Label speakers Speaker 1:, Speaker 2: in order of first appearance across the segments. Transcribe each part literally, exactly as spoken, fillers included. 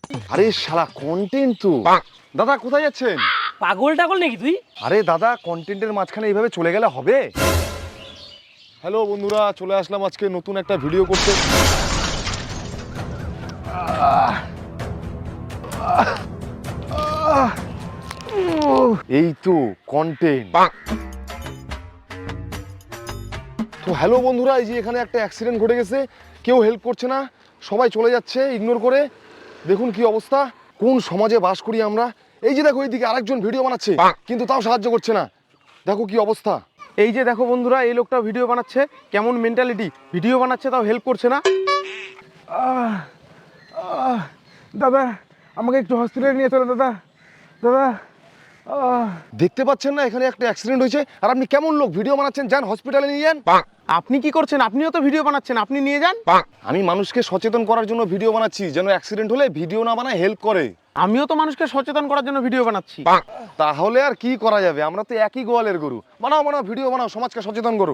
Speaker 1: আরে শালা কন্টেন্ট তো। দাদা কোথায় যাচ্ছেন?
Speaker 2: পাগল টাগল নাকি তুই?
Speaker 1: আরে দাদা কন্টেন্টের মাঝখানে এইভাবে চলে গেলে হবে? হ্যালো বন্ধুরা, চলে আসলাম আজকে নতুন একটা ভিডিও করতে। এই তো কন্টেন্ট। তো হ্যালো বন্ধুরা, এই যে এখানে একটা অ্যাক্সিডেন্ট ঘটে গেছে, কেউ হেল্প করছে না, সবাই চলে যাচ্ছে ইগনোর করে। দেখুন কি অবস্থা, কোন সমাজে বাস করি আমরা। এই যে দেখো এইদিকে আরেকজন ভিডিও বানাচ্ছে, কিন্তু তাও সাহায্য করছে না। দেখো কি অবস্থা।
Speaker 3: এই যে দেখো বন্ধুরা, এই লোকটা ভিডিও বানাচ্ছে, কেমন মেন্টালিটি, ভিডিও বানাচ্ছে তাও হেল্প করছে না। আহ, আহ, দাদা আমাকে একটু হসপিটালে নিয়ে চলো দাদা। দাদা আহ।
Speaker 1: দেখতে পাচ্ছেন না এখানে একটা অ্যাক্সিডেন্ট হয়েছে, আর আপনি কেমন লোক ভিডিও বানাচ্ছেন? যান হসপিটালে নিয়ে যান।
Speaker 3: আপনি কি করছেন? আপনিও তো ভিডিও বানাচ্ছেন, আপনি নিয়ে যান।
Speaker 1: আমি মানুষকে সচেতন করার জন্য ভিডিও বানাচ্ছি, যেন অ্যাক্সিডেন্ট হলে ভিডিও না বানায় হেল্প করে।
Speaker 3: আমিও তো মানুষকে সচেতন করার জন্য ভিডিও বানাচ্ছি।
Speaker 1: তাহলে আর কি করা যাবে, আমরা তো একই গোয়ালের গরু। বানাও বানাও ভিডিও বানাও, সমাজকে সচেতন করো।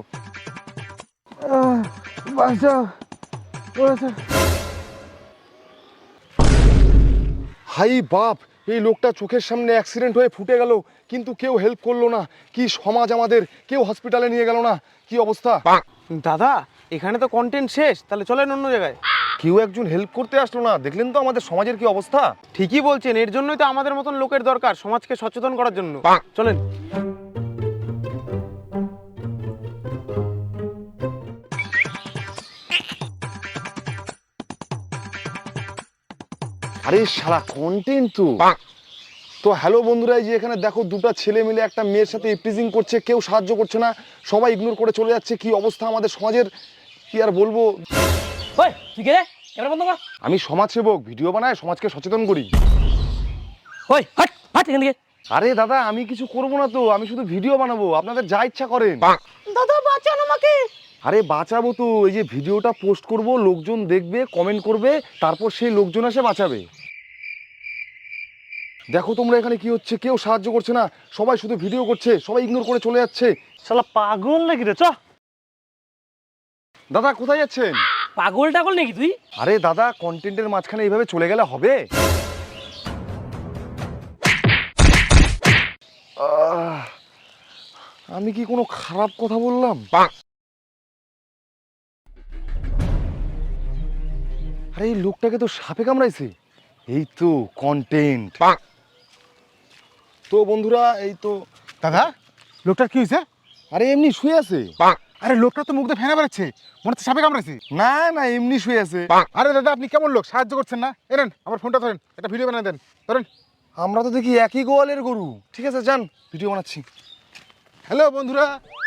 Speaker 1: হাই বাপ, এই লোকটা চোখের সামনে অ্যাক্সিডেন্ট হয়ে ফুটে গেল, কিন্তু কেউ হেল্প করলো না। কি সমাজ আমাদের, কেউ হসপিটালে নিয়ে গেল না, কি অবস্থা।
Speaker 3: দাদা এখানে তো কন্টেন্ট শেষ, তাহলে চলেন অন্য জায়গায়।
Speaker 1: কেউ একজন হেল্প করতে আসলো না, দেখলেন তো আমাদের সমাজের কি অবস্থা।
Speaker 3: ঠিকই বলছেন, এর জন্যই তো আমাদের মতন লোকের দরকার সমাজকে সচেতন করার জন্য। চলেন।
Speaker 1: আরে শালা কন্টেন্ট তো। তো হ্যালো বন্ধুরা, এই যে এখানে দেখো দুটো ছেলে মিলে একটা মেয়ের সাথে ইপটিজিং করছে, কেউ সাহায্য করছে না, সবাই ইগনোর করে চলে যাচ্ছে। কি অবস্থা আমাদের সমাজের, কি আর বলবো।
Speaker 2: ওই তুই কে রে? ক্যামেরা বন্ধ কর।
Speaker 1: আমি সমাজসেবক, ভিডিও বানায় সমাজকে সচেতন করি।
Speaker 2: ওই হাট হাট এখান থেকে।
Speaker 1: আরে দাদা আমি কিছু করবো না তো, আমি শুধু ভিডিও বানাবো, আপনাদের যা ইচ্ছা করেন।
Speaker 2: দাদা বাঁচান আমাকে।
Speaker 1: আরে বাঁচাবো তো, এই যে ভিডিওটা পোস্ট করব, লোকজন দেখবে, কমেন্ট করবে, তারপর সেই লোকজন এসে বাঁচাবে। দেখো তোমরা এখানে কি হচ্ছে, কেউ সাহায্য করছে না, সবাই শুধু ভিডিও করছে, সবাই ইগনোর করে চলে যাচ্ছে।
Speaker 2: শালা পাগল নাকি রে? চ।
Speaker 1: দাদা কোথায় যাচ্ছেন?
Speaker 2: পাগল টাগল নাকি তুই?
Speaker 1: আরে দাদা কন্টেন্টের মাঝখানে এইভাবে চলে গেলে হবে? আহ, আমি কি কোনো খারাপ কথা বললাম? আরে এই লোকটাকে তো সাপে কামড়াইছে। এই তো কন্টেন্ট। তো বন্ধুরা এই তো।
Speaker 4: দাদা লোকটার কি হয়েছে?
Speaker 1: আরে এমনি শুয়ে আছে।
Speaker 4: আরে লোকটা তো মুখ দিয়ে ফেনা বেড়াচ্ছে, মনে হচ্ছে সাপে কামড়াইছে।
Speaker 1: না না এমনি শুয়ে আছে।
Speaker 4: আরে দাদা আপনি কেমন লোক, সাহায্য করছেন না? এনেন আমার ফোনটা ধরেন, একটা ভিডিও বানিয়ে দেন। ধরেন।
Speaker 1: আমরা তো দেখি একই গোয়ালের গরু। ঠিক আছে যান, ভিডিও বানাচ্ছি।
Speaker 4: হ্যালো বন্ধুরা,